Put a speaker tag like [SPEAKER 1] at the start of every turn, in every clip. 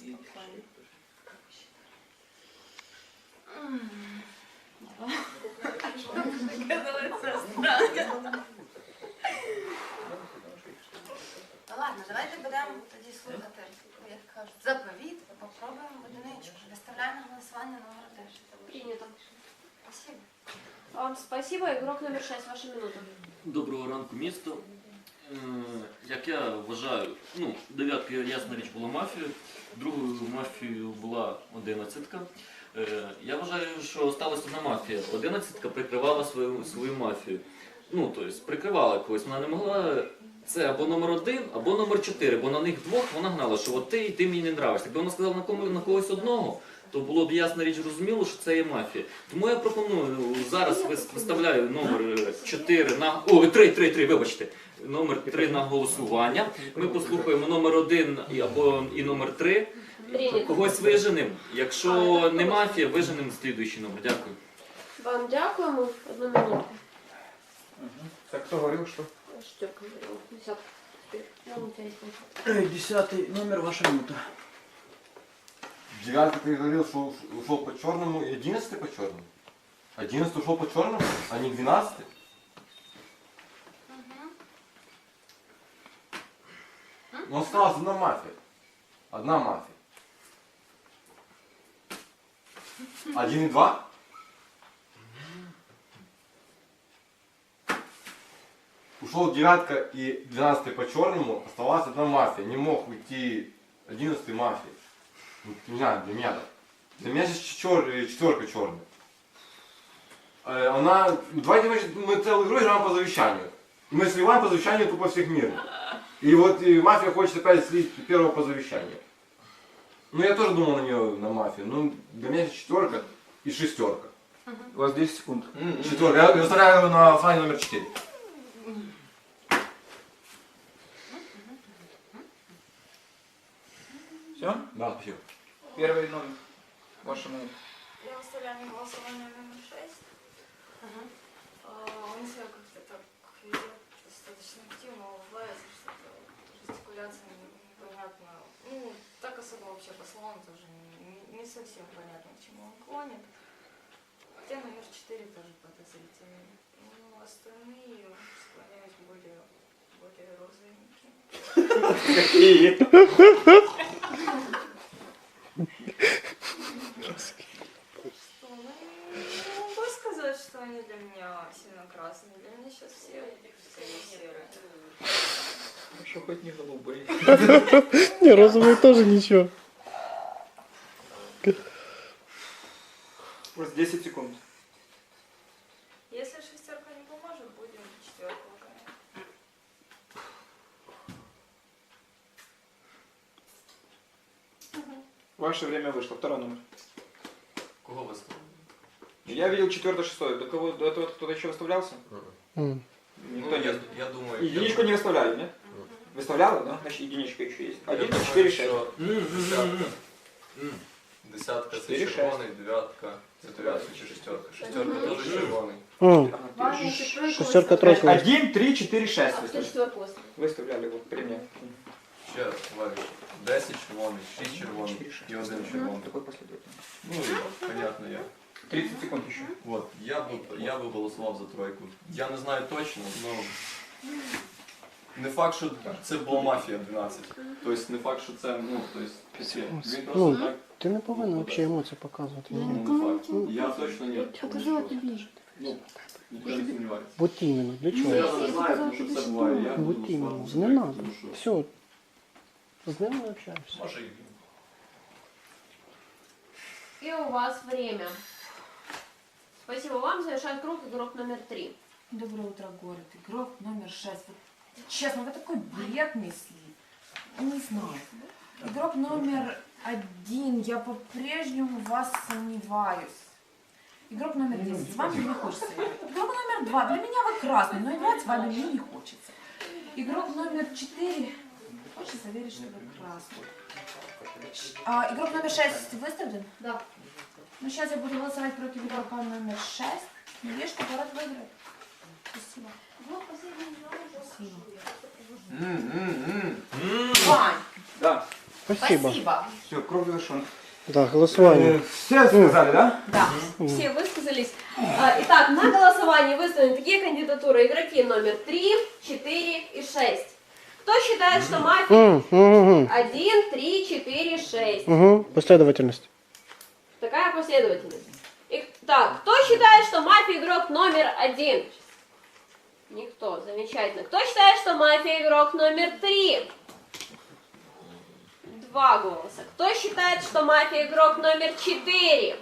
[SPEAKER 1] Ну ладно, давайте будемо тоді слухати, як кажуть, заповіт, і попробуємо в одиничку. Виставляємо на голосування номер 1.
[SPEAKER 2] Принято.
[SPEAKER 1] Спасибо.
[SPEAKER 2] Вам спасибо. Игрок номер 6, ваша минута.
[SPEAKER 3] Доброго ранку, місто. Як я вважаю, дев'ятка, ясна річ, була мафією, другою мафією була 11-ка. Я вважаю, що сталася одна мафія. 11-ка прикривала свою мафію. Тобто, прикривала когось, вона не могла. Це або номер 1, або номер 4, бо на них двох вона гнала, що от ти мені не нравишся. Якби вона сказала на когось одного, то було б ясна річ зрозуміло, що це є мафія. Тому я пропоную, зараз виставляю номер 4 на... Три, вибачте. Номер 3 на голосування. Ми послухаємо номер 1 і номер 3. Когось виженемо. Якщо не мафія, виженемо слідуючий номер. Дякую.
[SPEAKER 2] Вам дякуємо. 1 минуту.
[SPEAKER 4] Так, кто говорил, что?
[SPEAKER 2] Штёрка говорила. 10.
[SPEAKER 4] 10 номер, ваша минута.
[SPEAKER 5] 9 ты говорил, что ушел по черному, и 11 по черному. 11 ушел по черному, а не 12. Но осталась одна мафия. Одна мафия. 1 и 2. Ушел 9 и 12 по черному, оставалась одна мафия. Не мог уйти 11 мафии. Не знаю, для меня так. Для меня сейчас четверка черная. Она... Давайте мы целую игру играем по завещанию. И мы сливаем по завещанию тупо всех мирных. И вот и мафия хочет опять слить первого по завещанию. Я тоже думал на нее, на мафию. Для меня сейчас четверка и шестерка.
[SPEAKER 4] У вас 10 секунд.
[SPEAKER 5] Четверка. Я выставляю на голосование номер 4.
[SPEAKER 4] Все?
[SPEAKER 5] Да, спасибо.
[SPEAKER 4] Первый номер. Ваша минута.
[SPEAKER 1] Я выставляю на голосование номер 6. Он себя как-то так ведет достаточно активно, улыбается, что-то жестикуляция непонятно. Так особо вообще по словам тоже не совсем понятно, к чему он клонит. Хотя номер 4 тоже подозрительный. Остальные склоняюсь более розовенькие.
[SPEAKER 4] Какие?
[SPEAKER 1] Не могу сказать, что они для меня сильно красные. Для меня сейчас все серые.
[SPEAKER 4] Хорошо, хоть не голубые.
[SPEAKER 6] Не, розовые тоже ничего.
[SPEAKER 4] У вас 10 секунд.
[SPEAKER 1] Если шестерка не поможет, будем четверку выгонять.
[SPEAKER 4] Ваше время вышло. Второй номер.
[SPEAKER 3] Кого виставили?
[SPEAKER 4] Я видел 4-6. До кого? До этого кто-то еще выставлялся? Никто нет.
[SPEAKER 3] Я думаю...
[SPEAKER 4] Единичку не выставляли, нет? Выставляла, да? Значит, единичка еще есть. 1, 4, 6.
[SPEAKER 7] Десятка це
[SPEAKER 4] 4-6.
[SPEAKER 7] червоний, дев'ятка це дев'ятка чи шестерка. Шестерка теж червоний.
[SPEAKER 6] Шестерка, тройка.
[SPEAKER 4] 1, 3, 4, 6
[SPEAKER 2] А кто
[SPEAKER 4] выставляли.
[SPEAKER 2] 4
[SPEAKER 4] Выставляли вот при мне.
[SPEAKER 7] Ще раз, Валік. 10 червоний, 6 червоний
[SPEAKER 4] 4, 6.
[SPEAKER 7] і 1 червоний.
[SPEAKER 4] Такой последовательно.
[SPEAKER 7] Понятно я.
[SPEAKER 4] 30 секунд еще.
[SPEAKER 7] От, я би голосував за тройку. Я не знаю точно, але не факт, що це була мафія 12. Тобто не факт, що це, він просто так,
[SPEAKER 6] Ти не повинен взагалі емоції показувати.
[SPEAKER 7] не факт. Я точно ні. Нічого не сумніваюся.
[SPEAKER 6] Вот іменно, для чого?
[SPEAKER 7] Я не знаю, тому що це буває. Я буду
[SPEAKER 6] Вот іменно,
[SPEAKER 7] голосувати за
[SPEAKER 6] не
[SPEAKER 7] тройку,
[SPEAKER 6] надо.
[SPEAKER 7] тому що-
[SPEAKER 6] Все, з ним не общаєшся.
[SPEAKER 7] Може і
[SPEAKER 2] И у вас время. Спасибо вам. Завершает круг игрок номер 3.
[SPEAKER 8] Доброе утро, город. Игрок номер 6. Вот, честно, вы такой бред несли. Не знаю. Игрок номер 1. Я по-прежнему в вас сомневаюсь. Игрок номер 10. С вами не хочется играть. Игрок номер 2. Для меня вы красный, но играть с вами мне не хочется. Игрок номер 4. Хочется верить, что вы красный. Игрок номер 6 выставлен?
[SPEAKER 2] Да.
[SPEAKER 8] Ну, сейчас я буду голосовать против игрока номер 6. Надеюсь, что город выиграет. Спасибо.
[SPEAKER 2] Вот последний игрок.
[SPEAKER 8] Спасибо.
[SPEAKER 1] Вань!
[SPEAKER 4] Да.
[SPEAKER 6] Спасибо.
[SPEAKER 8] Спасибо.
[SPEAKER 4] Все, круг завершен.
[SPEAKER 6] Да, голосование.
[SPEAKER 5] Все сказали, да?
[SPEAKER 8] Да.
[SPEAKER 2] Все высказались. Итак, на голосовании выставлены такие кандидатуры. Игроки номер 3, 4 и 6. Кто считает, что мафия 1, 3, 4, 6?
[SPEAKER 6] Последовательность.
[SPEAKER 2] Такая последовательность. Так, кто считает, что мафия игрок номер 1? Никто. Замечательно. Кто считает, что мафия игрок номер 3? 2 голоса. Кто считает, что мафия игрок номер 4?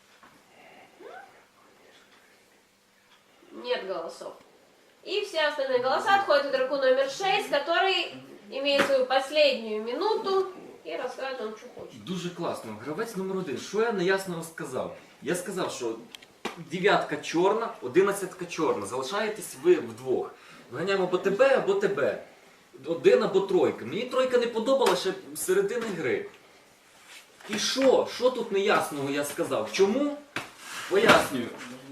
[SPEAKER 2] Нет голосов. И все остальные голоса отходят игроку номер 6, который имеет свою последнюю минуту і розкаже вам, що хоче.
[SPEAKER 3] Дуже класно. Гравець номер 1. Що я неясно сказав? Я сказав, що 9 чорна, 11 чорна. Залишаєтесь ви вдвох. Виганяємо або тебе, або тебе. 1 або 3. Мені 3 не подобала ще з середини гри. І що? Що тут неясного я сказав? Чому? Пояснюю.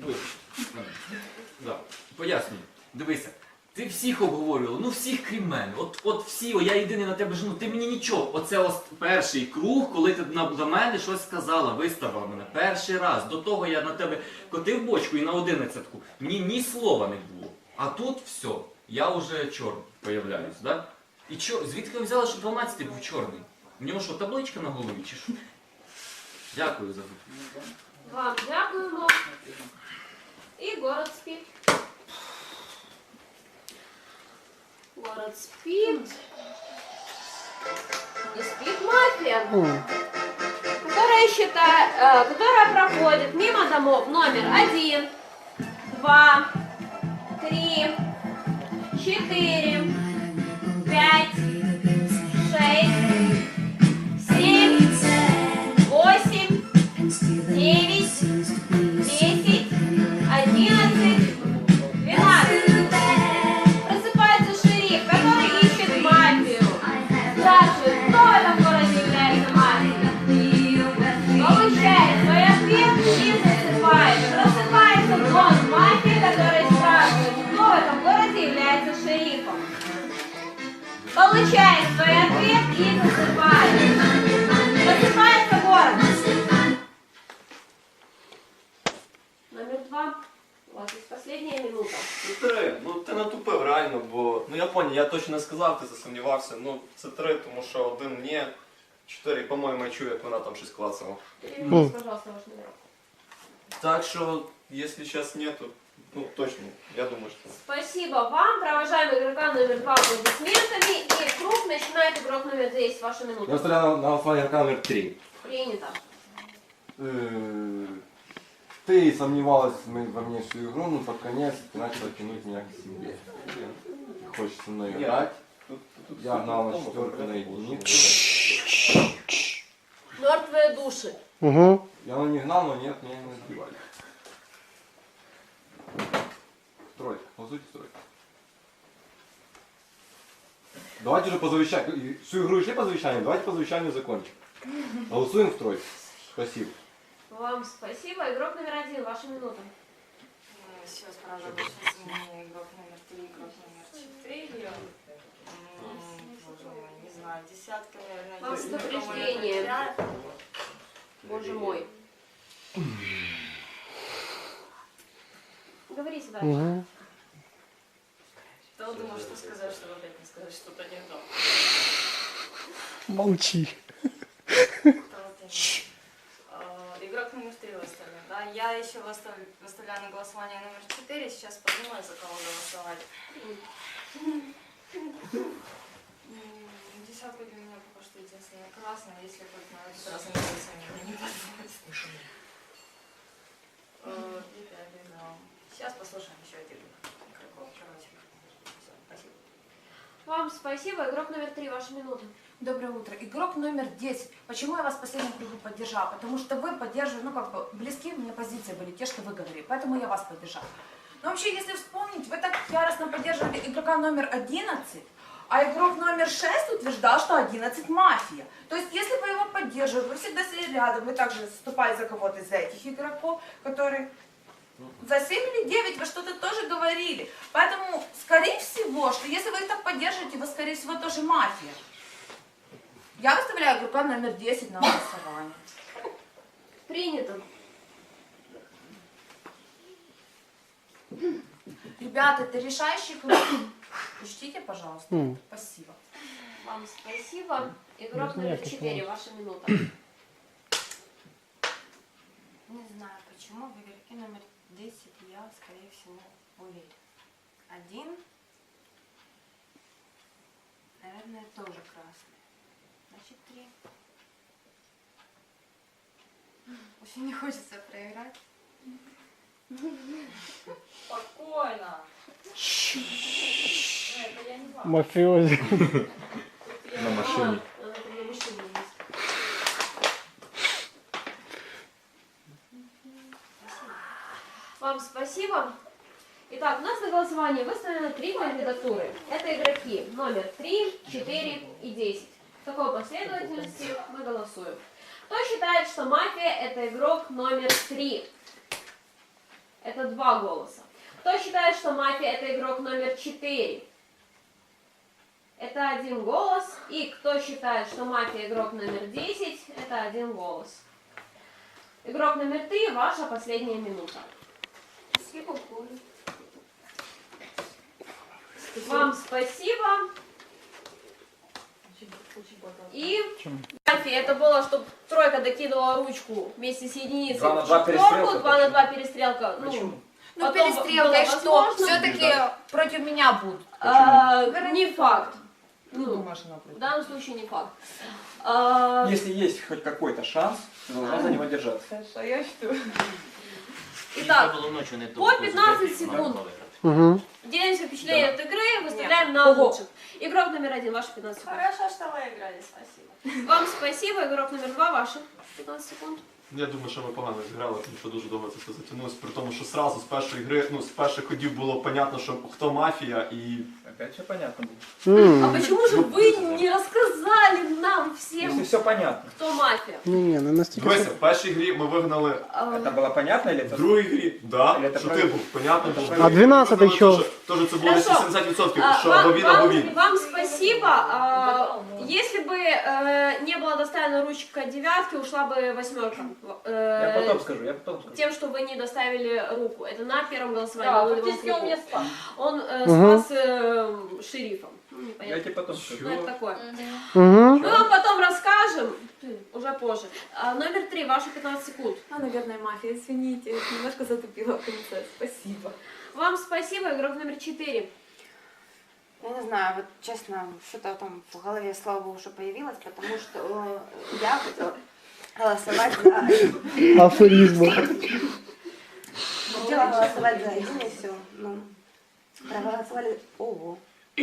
[SPEAKER 3] Да. Пояснюю. Дивися. Ти всіх обговорювала, ну всіх крім мене. От всі, я єдиний на тебе жену, ти мені нічого. Оце ось перший круг, коли ти до мене щось сказала, виставила мене. Перший раз. До того я на тебе котив бочку і на 11-ку. Мені ні слова не було. А тут все, я вже чорний появляюсь, да? І звідки ви взяли, що 12-й був чорний? У нього що, табличка на голові чи що? Дякую за це.
[SPEAKER 2] Вам дякуємо. І город спит. Город спит. И спит мафия, которая проходит мимо домов номер 1, 2, 3, 4, 5, 6, 7, 8, 9, 10, 11, 12. Просыпается шериф, который ищет мафию. Спрашивает, кто в этом городе является мафией. Получает свой ответ и засыпает. Просыпается дон мафии, который спрашивает, кто в этом городе является шерифом. Получает свой ответ и засыпает. Просыпается город. Номер 2. У вас есть последняя минута.
[SPEAKER 7] Ну 3. Ну ти натупив реально, бо ну я поняв, я точно не сказав, ти засумнівався. Ну це 3, тому що 1 ні, 4, по-моєму, я чую, як вона там щось клацала.
[SPEAKER 2] Переведите, пожалуйста, ваш номер.
[SPEAKER 7] Так що, якщо зараз нету, ну точно, я думаю, що.
[SPEAKER 2] Спасибо вам. Провожаем игрока номер 2 аплодисментами. И круг начинает игрок номер 10. Ваша
[SPEAKER 5] Я
[SPEAKER 2] минута.
[SPEAKER 5] выставляю на голосование игрока номер 3.
[SPEAKER 2] Принято.
[SPEAKER 5] Ты сомневалась во мне всю игру, но под конец ты начала тянуть меня к себе. Хочешь со мной играть. Я гнал на 4 на единицу.
[SPEAKER 2] Мертвые души.
[SPEAKER 5] Я не гнал, но нет, меня не сбивали. Тройка, голосуйте тройка. Давайте уже по завещанию. Всю игру шли по завещанию, давайте по завещанию закончим. Голосуем в тройку. Спасибо.
[SPEAKER 2] Вам спасибо. Игрок номер 1. Ваша минута.
[SPEAKER 1] Сейчас, правда, больше изменений. Игрок номер 3, игрок номер 4. Боже мой, не знаю, десятка, наверное,
[SPEAKER 2] Вам
[SPEAKER 1] есть.
[SPEAKER 2] предупреждение. Боже мой. Говорите дальше.
[SPEAKER 1] Кто думал, что сказать, чтобы опять не сказать что-то не то?
[SPEAKER 6] Молчи.
[SPEAKER 1] Игрок номер 3 выставлен, да? Я еще выставляю на голосование номер 4, сейчас подумаю, за кого голосовать. Десятка для меня пока что единственная красная, если хоть на этот раз они мне не подходит. Сейчас послушаем еще один игроков, короче. Всё, спасибо.
[SPEAKER 2] Вам спасибо. Игрок номер 3. Ваша минута.
[SPEAKER 8] Доброе утро. Игрок номер 10. Почему я вас в последнем кругу поддержала? Потому что вы поддерживали, ну как бы, близкие мне позиции были, те, что вы говорили. Поэтому я вас поддержала. Но вообще, если вспомнить, вы так яростно поддерживали игрока номер 11, а игрок номер 6 утверждал, что 11 мафия. То есть, если вы его поддерживали, вы всегда сидели рядом, вы также вступали за кого-то из этих игроков, которые... За 7 или 9 вы что-то тоже говорили. Поэтому, скорее всего, что если вы их так поддерживаете, вы, скорее всего, тоже мафия. Я выставляю игрока номер 10 на голосование.
[SPEAKER 2] Принято.
[SPEAKER 8] Ребята, это решающий круг. Учтите, пожалуйста.
[SPEAKER 6] М.
[SPEAKER 8] Спасибо.
[SPEAKER 2] Вам спасибо. Игрок
[SPEAKER 6] Без
[SPEAKER 2] номер
[SPEAKER 6] никаких
[SPEAKER 2] 4, ваша минута.
[SPEAKER 1] Не знаю почему, в игроке номер 10 я, скорее всего, уверен. 1. Наверное, тоже красный. Значит, 3. Очень не хочется проиграть. Спокойно. Это я не вам.
[SPEAKER 6] Мафиози.
[SPEAKER 7] На машине.
[SPEAKER 2] На машине есть. Вам спасибо. Итак, у нас на голосовании выставлены 3 кандидатуры. Это игроки номер 3, 4 и 10. В такой последовательности мы голосуем. Кто считает, что мафия это игрок номер 3? Это 2 голоса. Кто считает, что мафия это игрок номер 4? Это 1 голос. И кто считает, что мафия игрок номер 10? Это 1 голос. Игрок номер 3, ваша последняя минута.
[SPEAKER 1] Спасибо, Коля.
[SPEAKER 2] Вам спасибо. И мафия это было, чтобы тройка докидывала ручку вместе с единицей
[SPEAKER 4] 2 на
[SPEAKER 2] в
[SPEAKER 4] 2
[SPEAKER 2] четверку,
[SPEAKER 4] перестрелка.
[SPEAKER 2] 2 на 2 перестрелка.
[SPEAKER 4] Почему?
[SPEAKER 8] Ну,
[SPEAKER 2] потом
[SPEAKER 8] перестрелка,
[SPEAKER 2] было
[SPEAKER 8] и что?
[SPEAKER 2] возможно.
[SPEAKER 8] Все-таки против меня будут.
[SPEAKER 2] Не факт. Ну,
[SPEAKER 4] Думаешь, она
[SPEAKER 2] в
[SPEAKER 4] против?
[SPEAKER 2] данном случае не факт.
[SPEAKER 4] Если есть хоть какой-то шанс, ты должна за него держаться.
[SPEAKER 1] А я что?
[SPEAKER 2] Итак,
[SPEAKER 3] Було ночі не
[SPEAKER 2] по 15 секунд.
[SPEAKER 6] Угу.
[SPEAKER 2] Делимся впечатлением от игры, выставляем на лучших. Игрок номер 1, ваши 15 секунд.
[SPEAKER 1] Хорошо, что вы играли, спасибо.
[SPEAKER 2] Вам спасибо, игрок номер 2, ваши 15 секунд.
[SPEAKER 7] Я думаю, що ми погано зіграли, тому що дуже довго це все затягнулося. При тому, що зразу з першої гри, ну з перших ходів було понятно, що хто мафія і.
[SPEAKER 4] Опять все понятно было.
[SPEAKER 2] А почему же вы не рассказали нам всем,
[SPEAKER 4] Если все понятно.
[SPEAKER 2] кто мафия?
[SPEAKER 6] Не настільки.
[SPEAKER 7] Дивися, в першій грі ми вигнали,
[SPEAKER 4] Это было понятно или
[SPEAKER 7] в
[SPEAKER 4] это?
[SPEAKER 7] другій грі, да,
[SPEAKER 4] Или це
[SPEAKER 7] що
[SPEAKER 4] правильно?
[SPEAKER 7] ти був, понятно був.
[SPEAKER 6] А 12-й що?
[SPEAKER 7] Тож це було десь
[SPEAKER 2] Хорошо.
[SPEAKER 7] 80%, що або він, або він.
[SPEAKER 2] Вам спасибо. Если бы не была доставлена ручка девятки, ушла бы 8.
[SPEAKER 4] Я потом скажу, я потом скажу.
[SPEAKER 2] Тем, что вы не доставили руку. Это на первом голосовании.
[SPEAKER 1] Да,
[SPEAKER 2] он его
[SPEAKER 1] фактически он
[SPEAKER 2] руку.
[SPEAKER 1] меня спас.
[SPEAKER 2] Он
[SPEAKER 6] Мгм.
[SPEAKER 2] спас шерифа. Ну,
[SPEAKER 4] Я
[SPEAKER 2] непонятно.
[SPEAKER 4] тебе потом скажу.
[SPEAKER 2] Ну, это такое.
[SPEAKER 6] Угу.
[SPEAKER 2] Мы вам потом расскажем, уже позже. Номер 3, ваши 15 секунд.
[SPEAKER 1] наверное, мафия, извините, немножко затупила в конце, спасибо.
[SPEAKER 2] Вам спасибо, игрок номер 4.
[SPEAKER 9] Я не знаю, вот честно, что-то там в голове, слава богу, что появилось, потому что я хотела голосовать за...
[SPEAKER 6] Афоризми.
[SPEAKER 9] Хотела голосовать за один и все. Ну, проголосовали... Ого.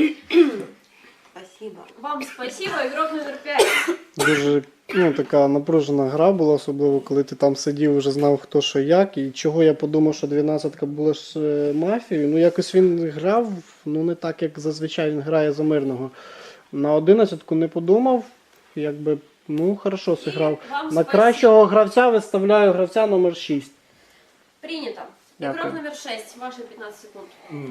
[SPEAKER 9] Спасибо.
[SPEAKER 2] Вам спасибо, игрок номер 5.
[SPEAKER 6] Дуже така напружена гра була, особливо коли ти там сидів, вже знав хто що як. І чого я подумав, що 12-ка була ж мафією. Ну якось він грав, ну не так, як зазвичай він грає за мирного. На 11-ку не подумав, якби, ну хорошо зіграв.
[SPEAKER 2] Вам
[SPEAKER 6] На
[SPEAKER 2] спасибо.
[SPEAKER 6] кращого гравця виставляю гравця номер 6.
[SPEAKER 2] Принято.
[SPEAKER 6] Дякую.
[SPEAKER 2] Игрок номер 6, ваши 15 секунд.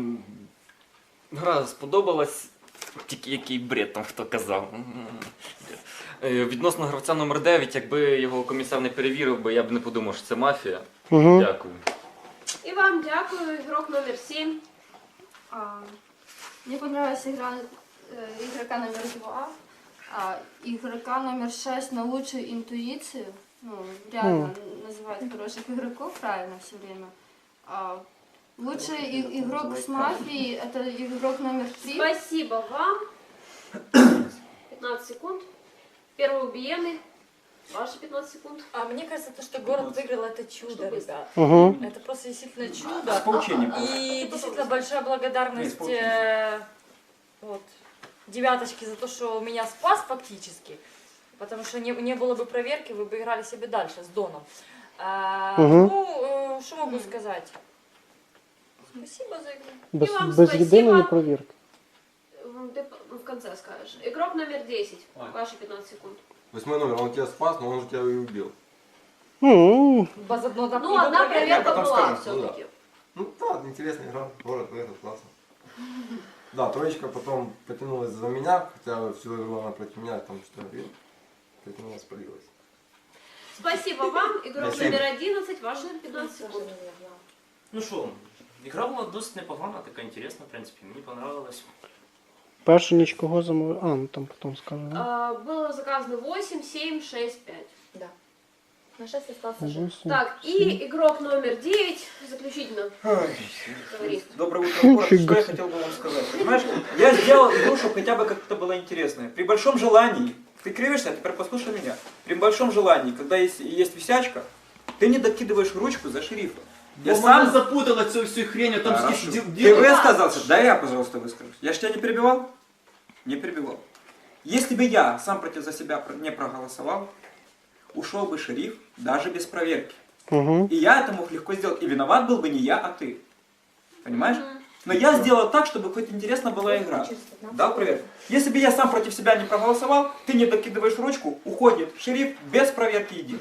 [SPEAKER 3] Гра сподобалась, тільки який бред там хто казав. Відносно гравця номер 9, якби його комісар не перевірив би, я б не подумав, що це мафія.
[SPEAKER 6] Угу.
[SPEAKER 3] Дякую.
[SPEAKER 2] И вам дякую, игрок номер 7.
[SPEAKER 1] Мне понравилась игра игрока номер 2, игрока номер 6 на лучшую интуицию. Ну, реально называют хороших игроков правильно все время. Лучший игрок с мафией это игрок номер 3.
[SPEAKER 2] Спасибо вам. 15 секунд. Первый убиенный. Ваши 15 секунд.
[SPEAKER 10] А мне кажется, то, что город выиграл, это чудо, ребят.
[SPEAKER 6] Угу.
[SPEAKER 10] Это просто действительно
[SPEAKER 4] С
[SPEAKER 10] чудо.
[SPEAKER 4] поучением.
[SPEAKER 10] И действительно большая благодарность вот, девяточке за то, что меня спас фактически. Потому что не было бы проверки, вы бы играли себе дальше с Доном. Ну, что могу сказать? Спасибо за игру.
[SPEAKER 6] Без,
[SPEAKER 2] І вам
[SPEAKER 6] без
[SPEAKER 2] спасибо.
[SPEAKER 6] єдиної провірки.
[SPEAKER 2] Ты в конце скажешь. Игрок номер 10. Ваши 15 секунд.
[SPEAKER 5] 8 номер, он тебя спас, но он же тебя и убил.
[SPEAKER 6] Ну,
[SPEAKER 10] Без одного
[SPEAKER 2] Ну, одна проверка
[SPEAKER 5] потом
[SPEAKER 2] была
[SPEAKER 5] скажем,
[SPEAKER 2] все-таки.
[SPEAKER 5] Ну да, интересная игра, город выиграл, классно. Да, троечка потом потянулась за меня, хотя всю игру она против меня там что-то она спалилась.
[SPEAKER 2] Спасибо вам. Игрок
[SPEAKER 5] Спасибо.
[SPEAKER 2] номер 11, ваши 15 секунд.
[SPEAKER 11] Ну що, ігра була досить непогана, така інтересна, в принципі, мені понравилось.
[SPEAKER 6] Першу ніч кого замовив? А, ну там потім скажу. Да?
[SPEAKER 2] Было заказано 8, 7, 6, 5.
[SPEAKER 9] Да. На 6 остался жив.
[SPEAKER 6] 8.
[SPEAKER 2] Так, и игрок номер 9, заключительно. Говори.
[SPEAKER 4] Доброе утро, город.
[SPEAKER 6] Фига
[SPEAKER 4] Что я
[SPEAKER 6] себе.
[SPEAKER 4] хотел бы вам сказать? Понимаешь, я сделал игру, чтобы хотя бы как-то было интересно. При большом желании, ты кривишься, а теперь послушай меня. При большом желании, когда есть висячка, ты не докидываешь ручку за шерифа. Я сам
[SPEAKER 7] запутала цю всю хрень, там
[SPEAKER 4] Хорошо.
[SPEAKER 7] скільки
[SPEAKER 4] Ты высказался? Да я, пожалуйста, выскажусь. Я ж тебя не перебивал? Не перебивал. Если бы я сам против за себя не проголосовал, ушел бы шериф даже без проверки.
[SPEAKER 6] Угу.
[SPEAKER 4] И я это мог легко сделать. И виноват был бы не я, а ты. Понимаешь? Но я сделал так, чтобы хоть интересна была игра. Дал проверку. Если бы я сам против себя не проголосовал, ты не докидываешь ручку, уходит шериф без проверки единый.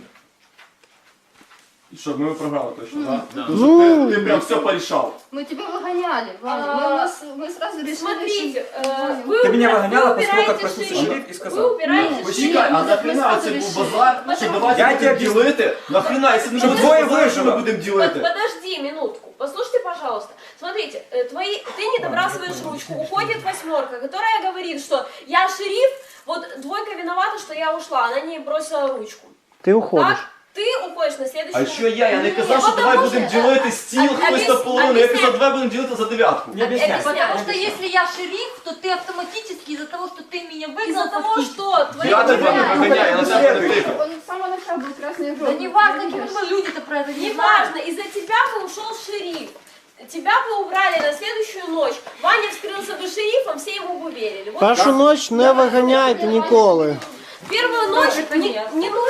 [SPEAKER 7] Щоб ми програли точно, так?
[SPEAKER 11] Да.
[SPEAKER 6] Ну,
[SPEAKER 7] Ти прям все порішав.
[SPEAKER 9] Мы тебя выгоняли, мы сразу решили...
[SPEAKER 2] Смотрите,
[SPEAKER 4] Ты меня выгоняла после того, как
[SPEAKER 2] убираете
[SPEAKER 4] проснулся
[SPEAKER 2] шериф.
[SPEAKER 4] шериф и
[SPEAKER 2] Вы
[SPEAKER 4] сказал.
[SPEAKER 2] убираете
[SPEAKER 7] Почекай,
[SPEAKER 2] шериф.
[SPEAKER 7] а нахрена це був базар, що
[SPEAKER 2] Потому-
[SPEAKER 7] давайте
[SPEAKER 4] Я
[SPEAKER 7] будемо
[SPEAKER 4] тебе
[SPEAKER 7] ділити? Нахрена, якщо не
[SPEAKER 4] Щоб
[SPEAKER 7] буде
[SPEAKER 4] двоє
[SPEAKER 7] базар, що ми
[SPEAKER 4] вижили.
[SPEAKER 7] будемо ділити?
[SPEAKER 2] Подожди минутку, послушайте, пожалуйста. Смотрите, ты не добрасываешь ручку, уходит 8, которая говорит, что я шериф, вот 2 виновата, что я ушла, она не бросила ручку.
[SPEAKER 6] ти уходиш.
[SPEAKER 2] Так, ты уходишь на следующий
[SPEAKER 7] А що я не казав, що
[SPEAKER 2] Потому
[SPEAKER 7] давай
[SPEAKER 2] що-
[SPEAKER 7] будемо ділити стіл, хтось наполовину, я казав, давай будемо ділити за 9.
[SPEAKER 4] Не объясняй.
[SPEAKER 10] Потому что если я шериф, то ты автоматически из-за того, что ты меня выгнал,
[SPEAKER 2] Из-за того,
[SPEAKER 10] фактически-
[SPEAKER 2] что твои
[SPEAKER 7] Я тебе не виганяю, я на тебе не тикав.
[SPEAKER 9] Он с самого начала был красный игрок.
[SPEAKER 10] Да не важно, каким бы люди-то про это не знали.
[SPEAKER 2] Неважно, из-за тебя бы ушел шериф. Тебя бы убрали на следующую ночь. Ваня вскрылся бы шерифом, все ему бы верили. Вот
[SPEAKER 6] Першу ніч не виганяйте ніколи.
[SPEAKER 2] первую ночь не